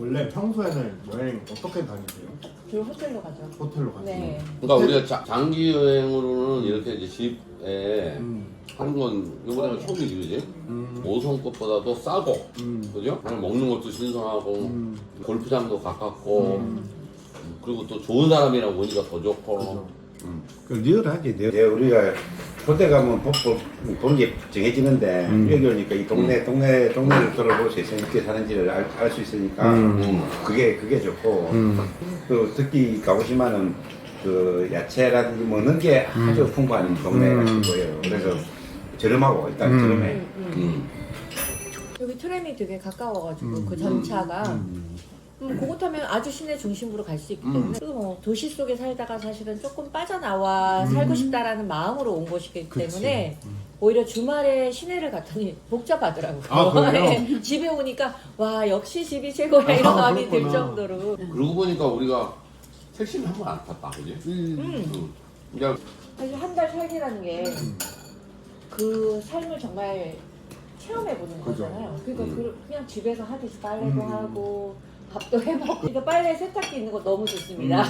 원래 평소에는 여행 어떻게 다니세요? 주로 호텔로 가죠. 호텔로 가세요? 네. 그러니까 우리가 장기 여행으로는 이렇게 이제 집에 하는 건 이번에가 처음이지, 그지? 5성 것보다도 싸고, 그죠? 그냥 먹는 것도 신선하고, 골프장도 가깝고, 그리고 또 좋은 사람이랑 오니까 더 좋고. 그 리얼하지. 우리가 호텔 가면 보는 게 정해지는데 여기 오니까 이 동네를 돌아볼 수 있으니까 어떻게 사는지를 알 수 있으니까 그게 좋고 또 특히 가보시면은 그 야채라든지 먹는 게 아주 풍부한 동네가 보여요. 그래서 저렴하고 일단 저렴해. 여기 트램이 되게 가까워가지고 그 전차가 그거 타면 아주 시내 중심부로 갈 수 있기 때문에 그리고 뭐 도시 속에 살다가 사실은 조금 빠져나와 살고 싶다라는 마음으로 온 곳이기 때문에 오히려 주말에 시내를 갔더니 복잡하더라고요. 아, 그래요? 네. 집에 오니까 와 역시 집이 최고야 이런 마음이 들 정도로. 그러고 보니까 우리가 택시는 한 번 안 탔다, 그지? 그러니까 사실 한 달 살기라는 게 그 삶을 정말 체험해보는 그죠. 거잖아요. 그러니까 그냥 집에서 하듯이 빨래도 하고 밥도 해먹고 그러니까 빨래 세탁기 있는 거 너무 좋습니다.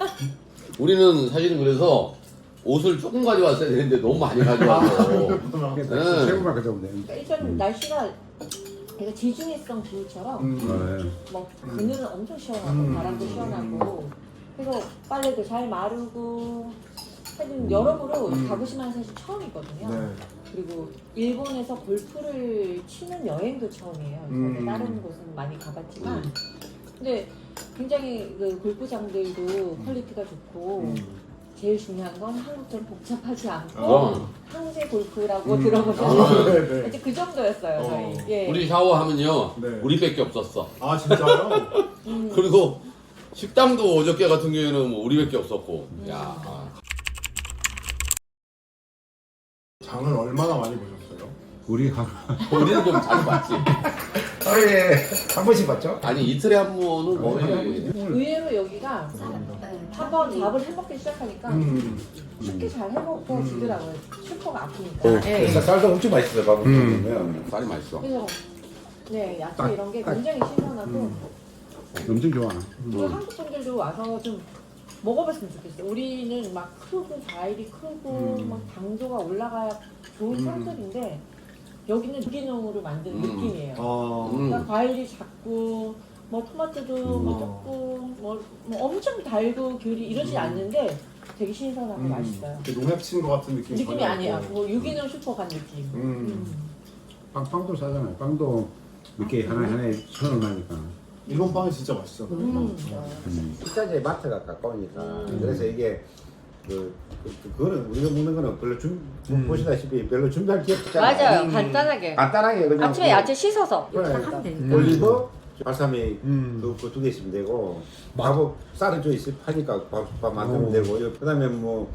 우리는 사실은 그래서 옷을 조금 가져왔어야 되는데 너무 많이 가져와서. 네. 최고만 가져오면 돼. 그러니까 일단 날씨가 되게 지중해성 기후처럼 뭐 그늘은 엄청 시원하고 바람도 시원하고 그래서 빨래도 잘 마르고 사실 여러모로 가고시마는 사실 처음이거든요. 네. 그리고 일본에서 골프를 치는 여행도 처음이에요. 그래서 다른 곳은 많이 가봤지만 근데 굉장히 그 골프장들도 퀄리티가 좋고 제일 중요한 건 한국처럼 복잡하지 않고 항세 골프라고 들어보셨나요? 네. 이제 그 정도였어요. 저희. 예. 우리 샤워하면요, 네. 우리밖에 없었어. 아 진짜요? 그리고 식당도 어저께 같은 경우에는 뭐 우리밖에 없었고. 야. 장을 얼마나 많이 보셨어요? 우리 우리는 좀 자주 봤지. 하루에 한 번씩 봤죠? 아니 이틀에 한 번은 거의. 의외로 여기가 한번 밥을 해먹기 시작하니까 쉽게 잘 해먹고 주더라고요. 슈퍼가 아프니까. 예. 그래서 쌀도 엄청 맛있어요. 밥을 먹으면. 쌀이 맛있어. 그래서 네 야채 이런 게 굉장히 신선하고 엄청 좋아. 그리고 한국 분들도 와서 좀 먹어봤으면 좋겠어요. 우리는 막 크고 과일이 크고 막 당도가 올라가야 좋은 산들인데 여기는 유기농으로 만든 느낌이에요. 그러니까 과일이 작고 뭐 토마토도 뭐 작고 뭐 엄청 달고 귤이 이러지 않는데 되게 신선하고 맛있어요. 농약 친 것 같은 느낌이 느낌이 전혀 아니에요. 없고. 뭐 유기농 슈퍼 간 느낌. 빵도 싸잖아요. 빵도 이렇게 하나에 1,000원 하니까. 일본 빵이 진짜 맛있어. 식자재 마트가 가까우니까. 그래서 이게 그거는 우리가 먹는 거는 별로 보시다시피 별로 준비할 게 없잖아요. 맞아요. 간단하게. 간단하게 그냥 아침에 야채 씻어서 그래. 딱 하면 되니까. 올리브, 발사믹 그 두 개 있으면 되고 밥은 쌀을 좀 있으면 파니까 밥 만들면 되고 그다음에 뭐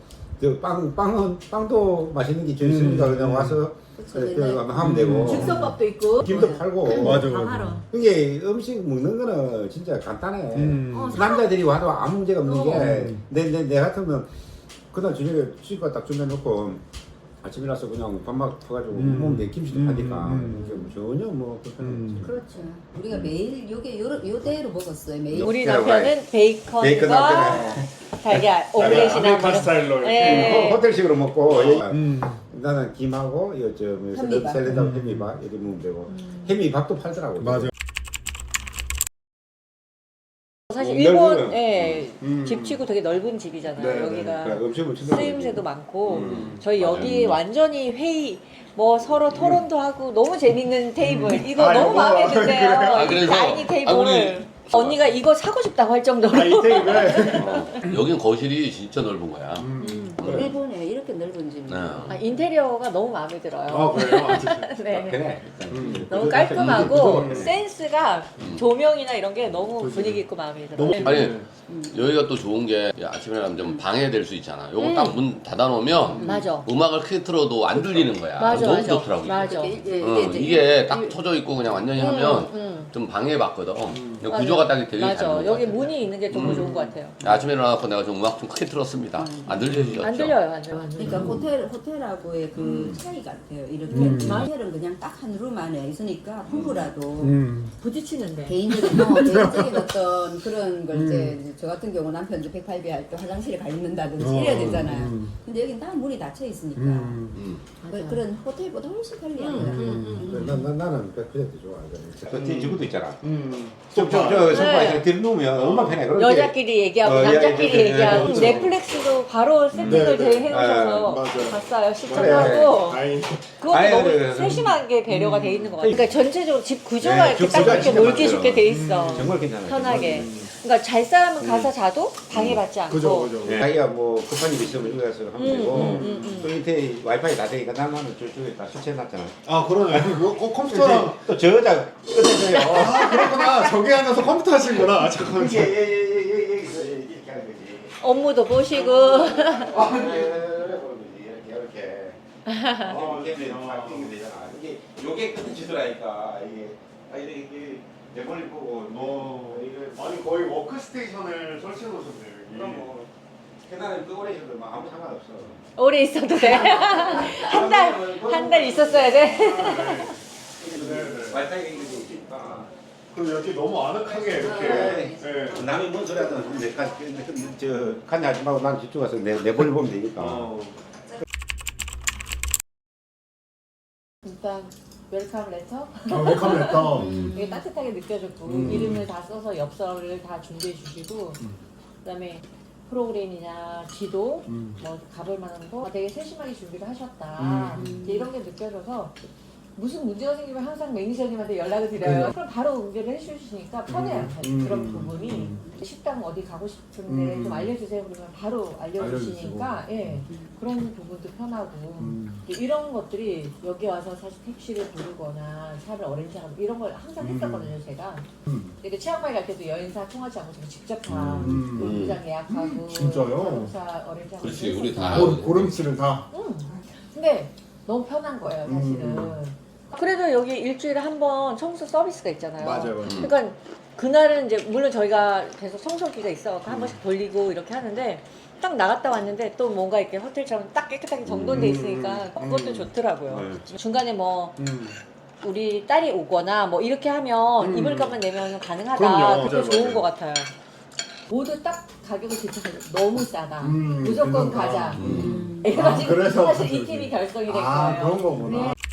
빵도 맛있는 게 좀 있으니까 그냥 와서 하면 되고 즉석밥도 있고. 김도 팔고 맞아. 이게 음식 먹는 거는 진짜 간단해. 남자들이 와도 아무 문제가 없는 게 내 같으면 그날 저녁에 치과 딱 준비해놓고 아침에 일어나서 그냥 밥만 퍼가지고 먹으면 돼. 김치도 파니까 전혀 뭐 불편하지. 그렇죠. 우리가 매일 요대로 먹었어요. 매일. 우리 남편은 베이컨 베이컨과 남편은 달걀 오믈렛이나 아메리칸 스타일로 이렇게. 네. 호텔식으로 먹고 나는 김하고 현미밥. 샐러드하고 현미밥 이렇게 먹으면 되고 현미밥도 팔더라고. 맞아. 사실 넓은 일본 집치고 되게 넓은 집이잖아요. 네, 여기가 그래, 음식을 진짜 쓰임새도 많고 저희 여기 완전히 회의 뭐 서로 토론도 하고 너무 재밌는 테이블 이거 아, 너무 이거? 마음에 드세요. 아, 이 그래서? 다이닝 테이블 우리- 언니가 이거 사고 싶다고 할 정도로 이 테이블. 여긴 거실이 진짜 넓은 거야. 일본에 이렇게 넓은 집이. 네. 인테리어가 너무 마음에 들어요. 그래요? 아, 진짜. 네. 그래. 너무 깔끔하고 음. 센스가 조명이나 이런 게 너무 분위기 있고 마음에 들어요. 너무 아니 여기가 또 좋은 게 아침에 나면 좀 방해될 수 있잖아. 요거 딱 문 닫아놓으면 맞아. 음악을 크게 틀어도 안 들리는 거야. 맞아, 너무 맞아. 좋더라고. 맞아. 이게 딱 터져 있고 그냥 완전히 하면 좀 방해받거든. 근데 구조가 딱 되게 잘 맞아. 나온 것 여기 같아. 문이 있는 게 너무 좋은 것 같아요. 아침에 일어나서 내가 좀 음악 좀 크게 틀었습니다. 안 들리시죠? 안 들려요, 안 들려요. 그러니까 호텔하고의 그 차이 같아요. 이렇게 호텔은 그냥 딱 한 룸 안에 있으니까 부부라도 부딪히는데. 개인적인 어떤 그런 걸 이제 저 같은 경우 남편 이제 108배 할 때 화장실에 가 있는다든지 이래야 되잖아요. 근데 여긴 다 문이 닫혀 있으니까 그런 호텔보다 훨씬 편리한 것 같아요. 나는 100% 좋아. 그 저것도 있잖아. 저 소파에서 들누우면 얼마나 편해. 그렇게. 여자끼리 얘기하고 남자끼리 얘기하고 그렇죠. 넷플릭스도 바로 세팅을 네, 네. 해놓으셔서 맞아요. 봤어요. 시청하고 다행히. 그것도 아니, 너무 그래. 세심하게 배려가 돼 있는 것 같아요. 그러니까 전체적으로 집 구조가 네, 이렇게 집 딱 구조가 이렇게 진짜 놀기 맞아요. 좋게 돼 있어. 정말 괜찮아요. 편하게. 그러니까 잘 사람은 가서 자도 방해받지 않고. 그죠. 자기가 뭐 급한 일 있으면 여기 가서 하면 되고 또 인터넷 와이파이 다 되니까 나는 저쪽에 다 설치해놨잖아. 아 그러네. 컴퓨터랑. 또 저 여자 끝에서요. 아 그렇구나. 저기 앉아서 컴퓨터 하시는구나. 잠깐만. 이게 이렇게 하는 거지. 업무도 보시고. 이렇게 되잖아. 이게 요게 끝에 지더라니까 이게 이게 내 머리 보고 이게 아니 거의 워크스테이션을 설치해 놓으셨네요. 그럼 뭐 계단에 그 오래 있어도 뭐 아무 상관없어. 오래 있어도 돼. 한 달 있었어야 돼. 와이파이가 이게 있으니까. 그럼 이렇게 너무 아늑하게 이렇게. 네. 남이 뭔 소리 하든 저 칸이 하지 말고 난 집중해서 내 머리 보면 되니까. 일단 웰컴 레터. 웰컴 레터. 이게 따뜻하게 느껴졌고 이름을 다 써서 엽서를 다 준비해 주시고 그다음에 프로그램이나 지도 뭐 가볼 만한 거 되게 세심하게 준비를 하셨다. 이제 이런 게 느껴져서 무슨 문제가 생기면 항상 매니저님한테 연락을 드려요. 그럼 바로 응대를 해주시니까 편해요. 그런 부분이 식당 어디 가고 싶은데 좀 알려주세요. 그러면 바로 알려주시니까 예, 그런 부분도 편하고 이런 것들이 여기 와서 사실 택시를 부르거나 차를 어렌지하고 이런 걸 항상 했었거든요. 제가 그러니까 치앙마이 갈 때도 여행사 통하지 않고 제가 직접 다 골프장 예약하고 진짜요? 자동차 어렌지하고 그렇지, 우리 다. 고름치를 다. 근데 너무 편한 거예요, 사실은. 그래도 여기 일주일에 한 번 청소 서비스가 있잖아요. 맞아요. 그러니까 그날은 이제 물론 저희가 계속 청소기가 있어 한 번씩 돌리고 이렇게 하는데 딱 나갔다 왔는데 또 뭔가 이렇게 호텔처럼 딱 깨끗하게 정돈돼 있으니까 그것도 좋더라고요. 중간에 뭐 우리 딸이 오거나 뭐 이렇게 하면 입을 값만 내면 가능하다. 그럼요. 그게 맞아요, 좋은 맞아요. 것 같아요. 모두 딱 가격을 비춰서 너무 싸다. 있는 무조건 거. 가자. 이래가지고 그래서 사실 이 그렇지. 팀이 결성이 된 아 거예요. 그런 거구나. 네.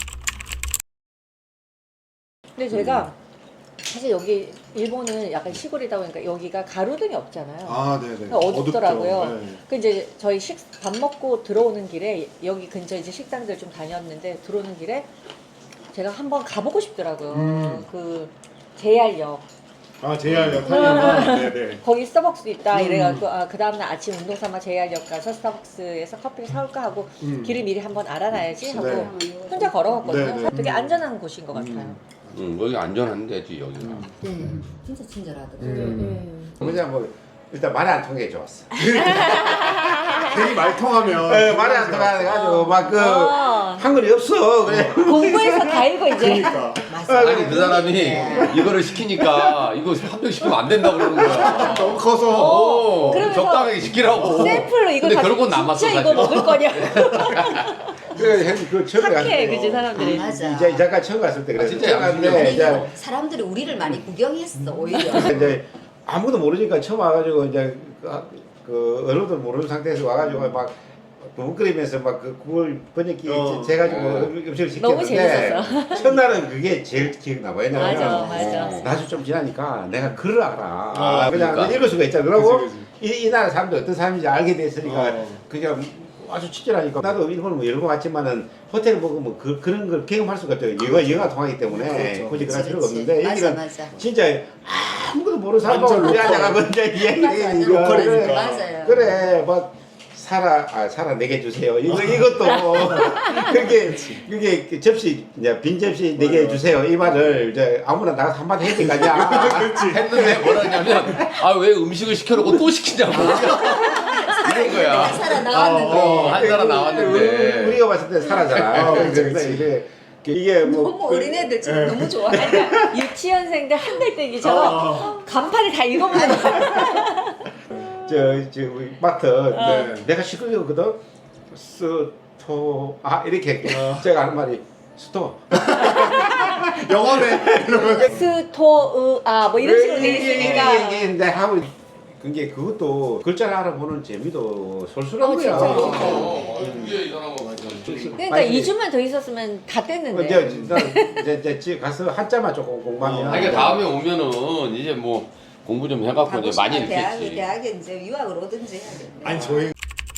근데 제가 사실 여기 일본은 약간 시골이다 보니까 여기가 가로등이 없잖아요. 아 네네. 그러니까 어둡더라고요. 어둡죠. 네. 그 이제 저희 밥 먹고 들어오는 길에 여기 근처 이제 식당들 좀 다녔는데 들어오는 길에 제가 한번 가보고 싶더라고요. 그 JR역. 아 JR역 타니까. 네네. 거기 스타벅스도 있다 이래가지고 그 다음날 아침 운동 삼아 JR역 가서 스타벅스에서 커피를 사올까 하고 길을 미리 한번 알아놔야지 하고 네. 혼자 걸어갔거든요. 네, 네. 되게 안전한 곳인 것 같아요. 여기 안전한 데지 여기가. 네, 진짜 친절하더라고요. 그냥 뭐 일단 말이 안 통해 좋았어. 괜히 말 통하면. 말이 안 통해가지고 막 그 어. 한글이 없어. 그래. 공부해서 다 읽어 이제. 그러니까. 아니 그 사람이 이거를 시키니까 이거 한 명 시키면 안 된다고 그러는 거야. 너무 커서. 그러면서 적당하게 시키라고. 샘플로 이걸 근데 가지고 결국은 남았어 진짜 사실. 이거 먹을 거냐. 그 처음에 착해 갔을 그지 사람들이. 맞아. 이 작가 처음 갔을 때 아, 그래. 진짜 처음 갔는데 아니, 이제 사람들이 우리를 많이 구경했어 오히려. 이제 아무도 모르니까 처음 와가지고 이제 그 언어도 모르는 상태에서 와가지고 막 부끄러면서 막 그 구글 번역기 재가지고 음식을 너무 시켰는데 첫날은 그게 제일 기억나. 왜냐면 맞아. 나중 좀 지나니까 내가 글을 알아. 아, 그냥 그러니까. 읽을 수가 있잖아. 그러고 그치. 이 나라 사람들 어떤 사람인지 알게 됐으니까 그냥 아주 친절하니까 나도 일본은 뭐 여러 번 갔지만은 호텔 먹으면 그런 걸 경험할 수가 없어요. 영어가 통하기 때문에 그렇죠. 굳이 그럴 필요가 그치. 없는데 여기는 맞아. 진짜 아무것도 모르는 사람하고 완전 우리 로컬. 앉아가고 이제 이야기하니까 로컬이니까. 맞아요. 그래 막 살아 내게 주세요. 이것도 그게 접시 이제 빈 접시 내게 주세요. 이 말을 이제 아무나 나가서 한마디 해야 되니까 했는데 뭐라냐면 아 왜 음식을 시켜놓고 또 시키냐고. 이런 거야. 살아 나왔는데. 한 사람 나왔는데. 우리가 봤을 때 살아잖아. 그래서 이게 뭐 너무 어린애들처럼 너무 좋아해. 그러니까 유치원생들 한 달 때기처럼 간판을 다 읽어보는 거야. 저 우리 마트 네. 내가 시끄러웠거든. 스토 이렇게 제가 하는 말이 스토 영어네. 이러면. 스토으아 뭐 이런 식으로 돼 있으니까. 이게 하고 그게 그것도 글자를 알아보는 재미도 솔솔한 거야. 이게 이 사람은 그러니까 2주만 더 있었으면 다 뗐는데. 이제 집 가서 한자만 조금 공부하면. 아니, 그러니까 다음에 오면은 이제 뭐 공부 좀 해갖고 이제 많이 읽겠지. 대학에 이제 유학을 오든지 해야겠네. 아니 저희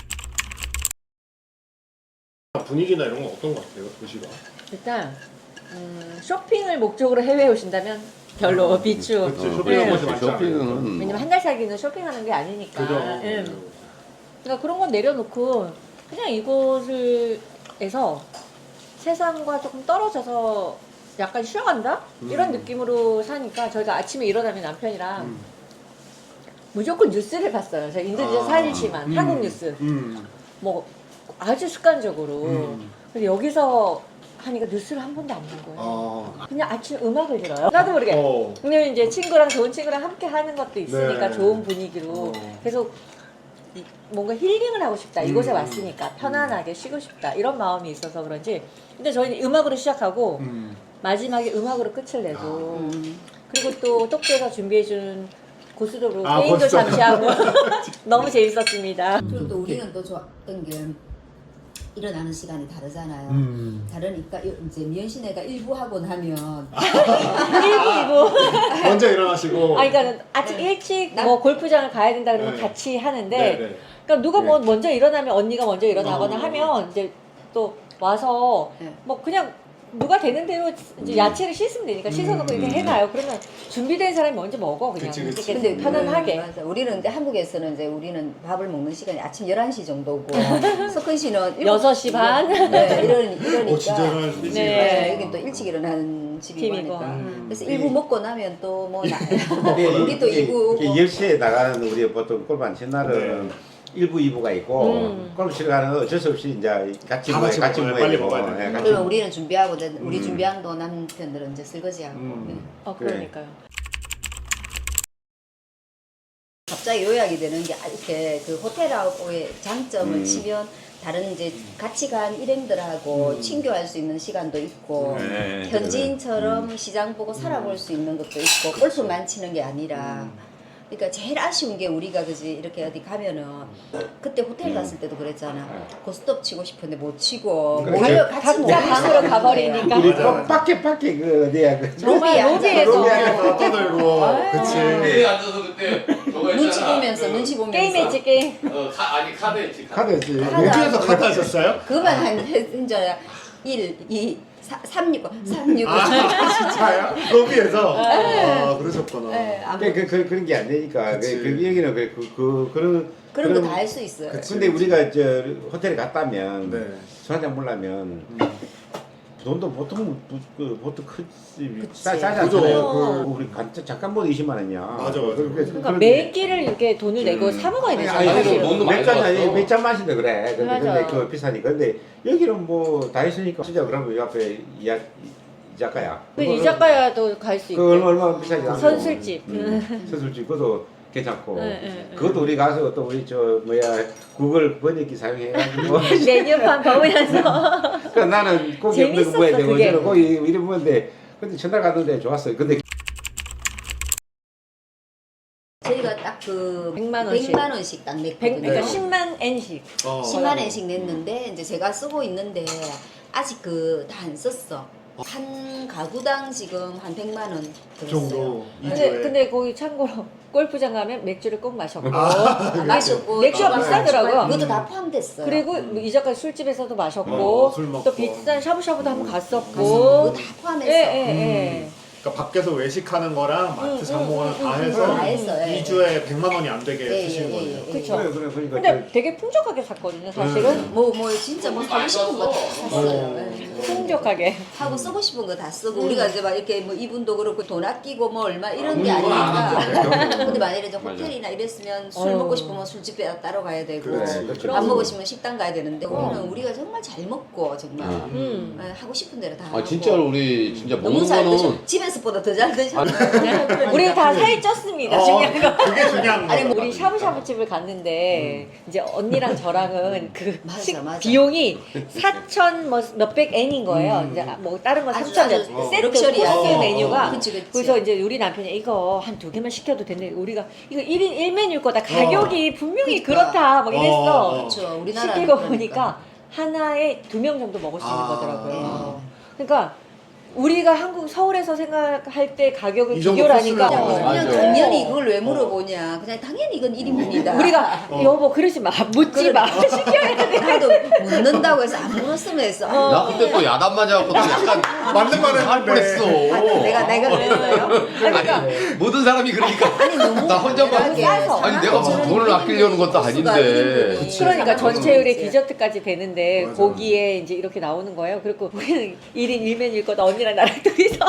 분위기나 이런 건 어떤 것 같아요, 도시가? 일단 쇼핑을 목적으로 해외에 오신다면 별로 비추. 그치, 네. 쇼핑하는 곳이 많지 않아요. 쇼핑은 왜냐면 한 달 살기는 쇼핑하는 게 아니니까. 그죠. 예. 그러니까 그런 건 내려놓고 그냥 이곳에서 세상과 조금 떨어져서 약간 쉬어간다? 이런 느낌으로 사니까 저희가 아침에 일어나면 남편이랑 무조건 뉴스를 봤어요. 제가 인도네시아 살지만 한국 뉴스. 뭐 아주 습관적으로. 근데 여기서 하니까 뉴스를 한 번도 안 본 거예요. 그냥 아침 음악을 들어요. 나도 모르게. 왜냐면 이제 친구랑 좋은 친구랑 함께 하는 것도 있으니까 네. 좋은 분위기로 계속 뭔가 힐링을 하고 싶다. 이곳에 왔으니까 편안하게 쉬고 싶다. 이런 마음이 있어서 그런지. 근데 저희는 음악으로 시작하고 마지막에 음악으로 끝을 내고 그리고 또 똑대가 준비해준 고수도로 게임도 고수도. 잠시 하고 너무 재밌었습니다. 그리고 또 우리는 또 좋았던 게 일어나는 시간이 다르잖아요. 다르니까 이제 미연 씨네가 일부 하고 나면 일부. 먼저 일어나시고. 그러니까 아침 일찍 뭐 골프장을 가야 된다 그러면 네. 같이 하는데 네네. 그러니까 누가 뭐 먼저 일어나면 언니가 먼저 일어나거나 하면 이제 또 와서 네. 뭐 그냥 누가 되는 대로 이제 야채를 씻으면 되니까 씻어놓고 이렇게 해놔요. 그러면 준비된 사람이 먼저 먹어 그냥. 그치, 그치. 이렇게 근데 편안하게. 맞아. 우리는 근데 한국에서는 이제 우리는 밥을 먹는 시간이 아침 11시 정도고 석근 씨는 6시 반? 네, 이러니까 진짜 일어나시지. 네. 여긴 또 일찍 일어나는 집이고 팀이고. 하니까 그래서 일부 먹고 나면 또 뭐 근데 우리 또 이부 10시에 나가는 우리 보통 골프 안 친 날은 1부, 2부가 있고 골프 치러 가는 건 어쩔 수 없이 이제 같이 다 같이 같이 먹어요. 모여야 빨리 되고, 먹어야 돼. 예, 같이 그러면 우리는 준비하고 우리 준비한 또 남편들은 이제 설거지하고 네. 그러니까요. 갑자기 요약이 되는 게 이렇게 그 호텔하고의 장점을 치면 다른 이제 같이 간 일행들하고 친교할 수 있는 시간도 있고 네, 현지인처럼 시장 보고 살아볼 수 있는 것도 있고 골프만 치는 게 아니라 그러니까 제일 아쉬운 게 우리가 그지 이렇게 어디 가면은 그때 호텔 갔을 때도 그랬잖아 고스톱 치고 싶은데 못 치고 그래. 모여 같이 못 각자 방으로 가버리니까. 우리 맞아, 맞아. 밖에 그 어디야 그 정말 로비에서 로비에서 떠들고. 그치. 여기 앉아서 그때 저거 눈치 했잖아. 보면서 눈치 보면서 게임했지 게임. 아니 카드 했지. 카드였지. 로비에서 카드 하셨어요? 그만 한 저야 1, 2, 3, 6, 3, 6. 진짜요? 로비에서? 아, 그러셨구나. 네, 그런 게 안 되니까 그치. 그 얘기는 그런 거 다 할 수 있어요. 그치. 근데 우리가 저 호텔에 갔다면 네. 술 한잔 먹으려면 돈도 보통 보통 크지 그치. 싸지 그죠. 않잖아요. 우리 잠깐 먹어도 20만 원이야. 맞아, 맞아. 그러니까 매 끼를 이렇게 돈을 내고 사 먹어야 되잖아요. 아니, 사실은. 돈도 많이 들었어. 몇잔 마신다 그래. 근데 맞아. 그거 비싸니까. 근데 여기는 뭐 다 있으니까 진짜 그러면 이 앞에 이자카야. 그 이자카야도 갈 수 그 있고. 얼마 비싸지 않고. 선술집. 선술집 그것도 괜찮고. 네. 그것도 우리 가서 또 우리 저 뭐야 구글 번역기 사용해가지고. 메뉴판 보면서. 그 나는 고기 없는 거 뭐야 되고 그게. 저는 고기 이런 건데 근데 전날 갔는데 좋았어요. 근데 저희가 딱 그 100만 원씩. 100만 원씩 딱 냈거든요. 그러니까 10만 엔씩. 10만 원씩 냈는데 이제 제가 쓰고 있는데 아직 그 다 안 썼어. 한 가구당 지금 한 100만 원 들었어요. 정도. 근데 거기 참고로 골프장 가면 맥주를 꼭 마셨고. 마셨고 맥주가 또 비싸더라고요. 그것도 다 포함됐어요. 그리고 뭐 이자카 술집에서도 마셨고 술 먹고. 또 비싼 샤브샤브도 한번 그거 갔었고. 다 포함했어. 예. 그러니까 밖에서 외식하는 거랑 마트 장보거나 다 해서 다 했어요. 예. 2주에 100만 원이 안 되게 예, 쓰신 예, 거예요. 예, 예. 그쵸. 그러니까 근데 되게 풍족하게 샀거든요, 사실은. 뭐 진짜 뭐 사고 싶은 거 다 샀어요. 예. 풍족하게. 하고 쓰고 싶은 거 다 쓰고 우리가 이제 막 이렇게 뭐 이분도 그렇고 돈 아끼고 뭐 얼마 이런 게 그건 안 아니니까. 근데 만약에 이제 맞아. 호텔이나 이랬으면 술 먹고 싶으면 술집에 따로 가야 되고 그렇지, 그렇죠. 밥 먹고 싶으면 식당 가야 되는데 우리는 우리가 정말 잘 먹고 정말 하고 싶은 대로 다 아 하고 진짜로 우리 진짜 너무 먹는 잘 거는 드셔. 집에서 모습보다 더 잘 드셨네. 우리 다 살이 쪘습니다. 중요한 거. 그게 중요한 거. 아니 뭐 우리 샤브샤브 집을 갔는데 이제 언니랑 저랑은 그 맞아, 맞아. 비용이 4천 뭐 몇백 엔인 거예요. 이제 뭐 다른 거 아주 3천 아주 세트 럭셔리하게. 코스 메뉴가. 그치, 그치. 그래서 이제 우리 남편이 이거 한 2개만 시켜도 되는데 우리가 이거 1인 1메뉴일 거다. 가격이 분명히 그러니까. 그렇다. 막 이랬어. 그렇죠. 우리나라 시키고 보니까 하나에 2명 정도 먹을 수 있는 아. 거더라고요. 그러니까 우리가 한국 서울에서 생각할 때 가격을 이 정도 비교를 하니까 코스를 그냥 맞아. 당연히 이걸 왜 물어보냐. 그냥 당연히 이건 1인분이다. 우리가 여보 그러지 마 묻지 마 시켜야 돼. 나도 묻는다고 해서 안 물었으면 했어. 나 그때 또 야단 맞아갖고 또 약간 맞는 말 할 했는데. 뻔했어. 내가 그랬어요. 그러니까 모든 사람이 그러니까 아니 너무 나 혼자만 대단하게 싸서. 아니 내가 무슨 돈을 아끼려는 것도 아닌데. 그치. 그러니까 전체율에 그치. 디저트까지 되는데 맞아. 고기에 이제 이렇게 나오는 거예요. 그리고 우리는 1인 1메뉴일 거다. 언니랑 나랑 둘이서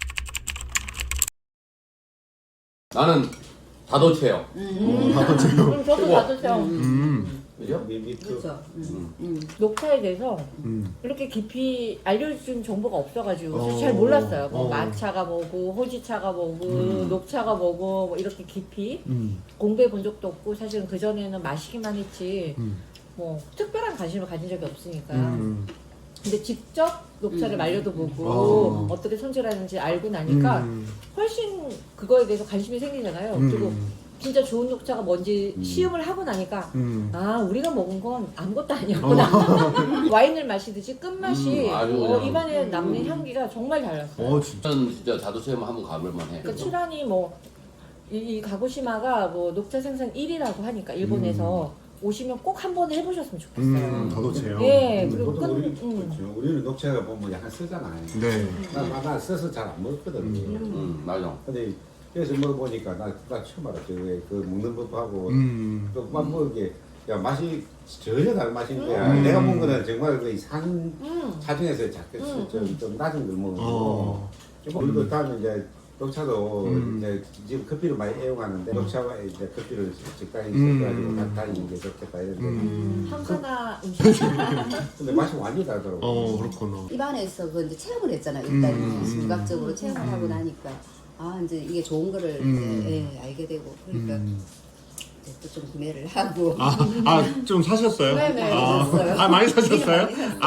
나는 다도체요. 그럼 저도 받으세요. 그죠? 그렇죠. 녹차에 대해서 이렇게 깊이 알려준 정보가 없어가지고 사실 잘 몰랐어요. 뭐 마차가 뭐고 호지차가 뭐고 녹차가 뭐고 뭐 이렇게 깊이 공부해 본 적도 없고 사실은 그 전에는 마시기만 했지 뭐 특별한 관심을 가진 적이 없으니까. 근데 직접 녹차를 말려도 보고 어떻게 손질하는지 알고 나니까 훨씬 그거에 대해서 관심이 생기잖아요. 그리고 진짜 좋은 녹차가 뭔지 시음을 하고 나니까 아 우리가 먹은 건 아무것도 아니었구나. 와인을 마시듯이 끝맛이 아주 그냥. 입안에 남는 향기가 정말 달랐어요. 저는 진짜 다도체만 한번 가볼만해. 그러니까 칠한이 뭐 이 가고시마가 뭐 녹차 생산 1위라고 하니까 일본에서 오시면 꼭 한 번 해보셨으면 좋겠어요. 더도체요. 예, 그리고 보통 끈, 우리는 녹차가 보면 약간 쓰잖아요. 네. 나 써서 잘 안 먹거든. 맞아. 근데 그래서 먹어보니까 나 처음 알았죠. 그 먹는 법하고 또막 먹게 야 맛이 전혀 다른 맛인 거야. 내가 먹은 거는 정말 거의 산 차중에서 좀 낮은 걸 먹었고 그리고 다음에 이제 녹차도 이제 지금 커피를 많이 애용하는데 녹차와 이제 커피를 적당히 섞어가지고 다니는 게 좋겠다 이런데 한가나 음식. 근데 맛이 완전히 다르더라고. 그렇구나. 입안에서 그 이제 체험을 했잖아요. 일단 시각적으로 체험을 하고 나니까 아 이제 이게 좋은 거를 이제, 예, 알게 되고 그러니까 이제 또 좀 구매를 하고 좀 사셨어요? 네네, 사셨어요. 많이 사셨어요?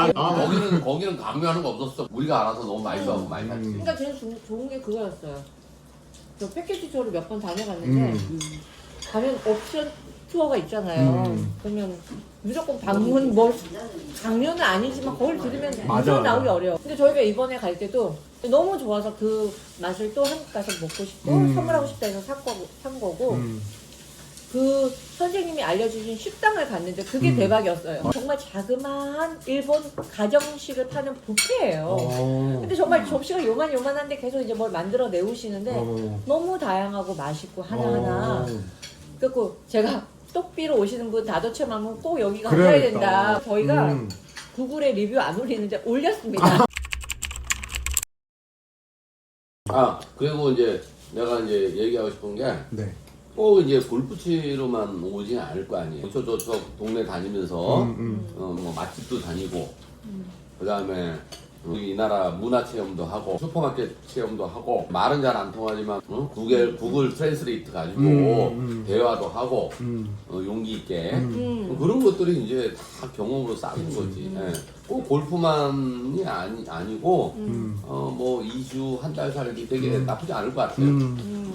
거기는 강요하는 거 없었어. 우리가 알아서 너무 많이 좋아하고 많이 샀지. 그러니까 제일 좋은 게 그거였어요. 저 패키지 투어를 몇 번 다녀갔는데 가면 옵션 투어가 있잖아요. 그러면 무조건 방문 뭐 강요는 아니지만 거길 들으면 무조건 나오기 어려워. 근데 저희가 이번에 갈 때도 너무 좋아서 그 맛을 또 한국 가서 먹고 싶고 선물하고 싶다 해서 산 거고 그 선생님이 알려주신 식당을 갔는데 그게 대박이었어요. 정말 자그마한 일본 가정식을 파는 뷔페예요. 근데 정말 접시가 요만한데 계속 이제 뭘 만들어 내오시는데 너무 다양하고 맛있고 하나하나. 그래서 제가 똑비로 오시는 분 다도체맘은 꼭 여기 가셔야 그래야겠다. 된다. 저희가 구글에 리뷰 안 올리는데 올렸습니다. 그리고 이제 내가 이제 얘기하고 싶은 게 네. 꼭 이제 골프 치러만 오지 않을 거 아니에요. 저 동네 다니면서 뭐 맛집도 다니고 그다음에 이 나라 문화 체험도 하고 슈퍼마켓 체험도 하고 말은 잘 안 통하지만 구글 트랜스레이트 가지고 대화도 하고 용기 있게 그런 것들이 이제 다 경험으로 쌓인 거지. 예. 꼭 골프만이 아니고 뭐 2주 한 달 살기 되게 나쁘지 않을 것 같아요.